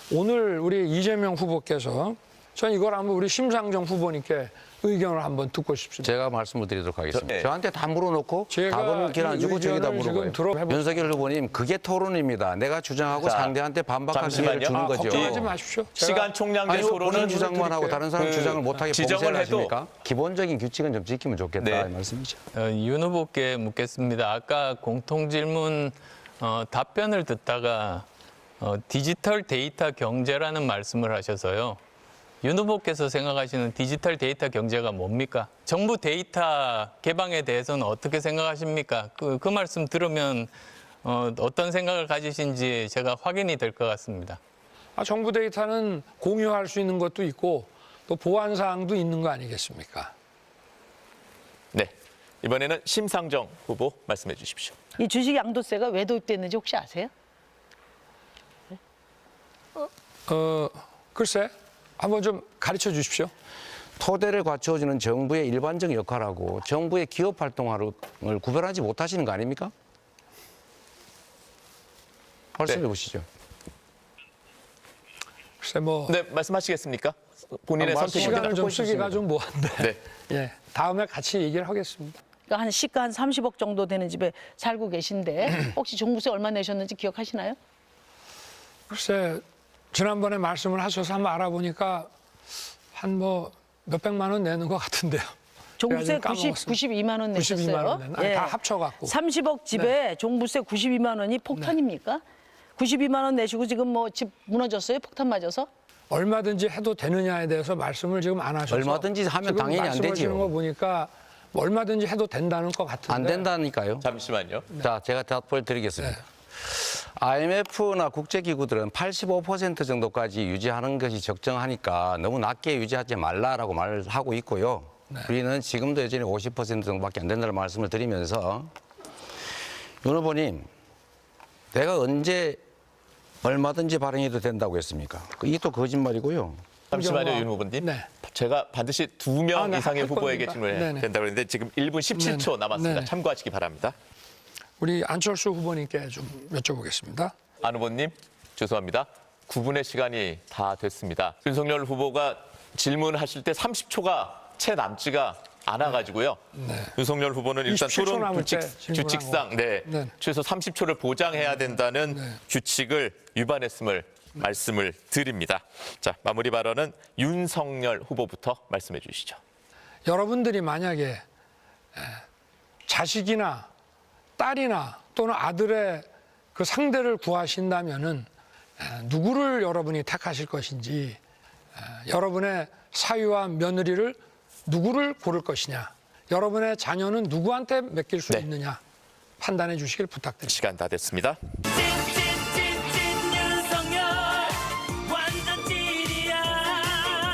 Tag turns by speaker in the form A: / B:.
A: 오늘 우리 이재명 후보께서 전 이걸 한번 우리 심상정 후보님께 의견을 한번 듣고 싶습니다.
B: 제가 말씀을 드리도록 하겠습니다.
C: 네.
B: 저한테 다 물어놓고
A: 제가
B: 답은 안 주고 저기다
A: 의견을
B: 물어봐요.
A: 지금 들어보겠습니다.
B: 윤석열 후보님 그게 토론입니다. 내가 주장하고
C: 자,
B: 상대한테 반박할 기회를
C: 잠시만요.
B: 주는 거죠.
A: 걱정하지 마십시오.
C: 시간 총량제
B: 아니, 본인
C: 토론은
B: 주장만 하고 다른 사람 주장을 못하게
C: 지정을
B: 봉쇄를
C: 해도
B: 하십니까? 기본적인 규칙은 좀 지키면 좋겠다
C: 네.
B: 이 말씀이죠.
D: 윤 후보께 묻겠습니다. 아까 공통질문 답변을 듣다가 디지털 데이터 경제라는 말씀을 하셔서요. 윤 후보께서 생각하시는 디지털 데이터 경제가 뭡니까? 정부 데이터 개방에 대해서는 어떻게 생각하십니까? 그 말씀 들으면 어떤 생각을 가지신지 제가 확인이 될 것 같습니다.
A: 정부 데이터는 공유할 수 있는 것도 있고 또 보안 사항도 있는 거 아니겠습니까?
C: 네. 이번에는 심상정 후보 말씀해 주십시오.
E: 이 주식 양도세가 왜 도입됐는지 혹시 아세요?
A: 글쎄 한번 좀 가르쳐 주십시오.
B: 토대를 갖추어주는 정부의 일반적 역할하고 정부의 기업 활동을 구별하지 못하시는 거 아닙니까? 말씀해
C: 네.
B: 보시죠.
A: 글쎄 뭐
C: 네, 말씀하시겠습니까? 본인의 선택입니다.
A: 시간을 좀 쓰기가 좀 뭐한데
C: 네.
A: 예, 다음에 같이 얘기를 하겠습니다.
E: 그러니까 한 시가 한 30억 정도 되는 집에 살고 계신데 혹시 종부세 얼마 내셨는지 기억하시나요?
A: 글쎄 지난번에 말씀을 하셔서 한번 알아보니까 한 뭐 몇백만 원 내는 것 같은데요.
E: 종부세
A: 제가 지금 까먹었습니다.
E: 92만 원 내셨어요.
A: 92만 원 내는, 아니, 다 합쳐갖고.
E: 30억 집에 종부세 92만 원이 폭탄입니까? 92만 원 내시고 지금 뭐 집 무너졌어요? 폭탄 맞아서?
A: 얼마든지 해도 되느냐에 대해서 말씀을 지금 안 하셔서
B: 얼마든지 하면
A: 지금
B: 당연히 안
A: 말씀하시는
B: 되지요.
A: 거 보니까 뭐 얼마든지 해도 된다는 것 같은데
B: 안 된다니까요.
C: 잠시만요.
B: 자, 제가 답을 드리겠습니다. IMF나 국제기구들은 85% 정도까지 유지하는 것이 적정하니까 너무 낮게 유지하지 말라라고 말을 하고 있고요. 우리는 지금도 여전히 50% 정도밖에 안 된다는 말씀을 드리면서 윤 후보님, 내가 언제 얼마든지 발행해도 된다고 했습니까? 이게 또 거짓말이고요.
C: 잠시만요, 윤 후보님.
A: 네.
C: 제가 반드시 2명
A: 네,
C: 이상의
A: 할
C: 후보에게
A: 겁니다.
C: 질문을
A: 네네.
C: 된다고 했는데 지금 1분 17초
A: 네네.
C: 남았습니다.
A: 네네.
C: 참고하시기 바랍니다.
A: 우리 안철수 후보님께 좀 여쭤보겠습니다.
C: 안 후보님, 죄송합니다. 9분의 시간이 다 됐습니다. 윤석열 후보가 질문하실 때 30초가 채 남지가 않아가지고요. 윤석열 후보는 일단
A: 27초
C: 토론
A: 남을 때
C: 규칙상
A: 네.
C: 최소 30초를 보장해야 된다는 규칙을 위반했음을 말씀을 드립니다. 자, 마무리 발언은 윤석열 후보부터 말씀해 주시죠.
A: 여러분들이 만약에 자식이나 딸이나 또는 아들의 그 상대를 구하신다면은 누구를 여러분이 택하실 것인지 여러분의 사위와 며느리를 누구를 고를 것이냐 여러분의 자녀는 누구한테 맡길 수
C: 네.
A: 있느냐 판단해 주시길 부탁드립니다.
C: 시간 다 됐습니다.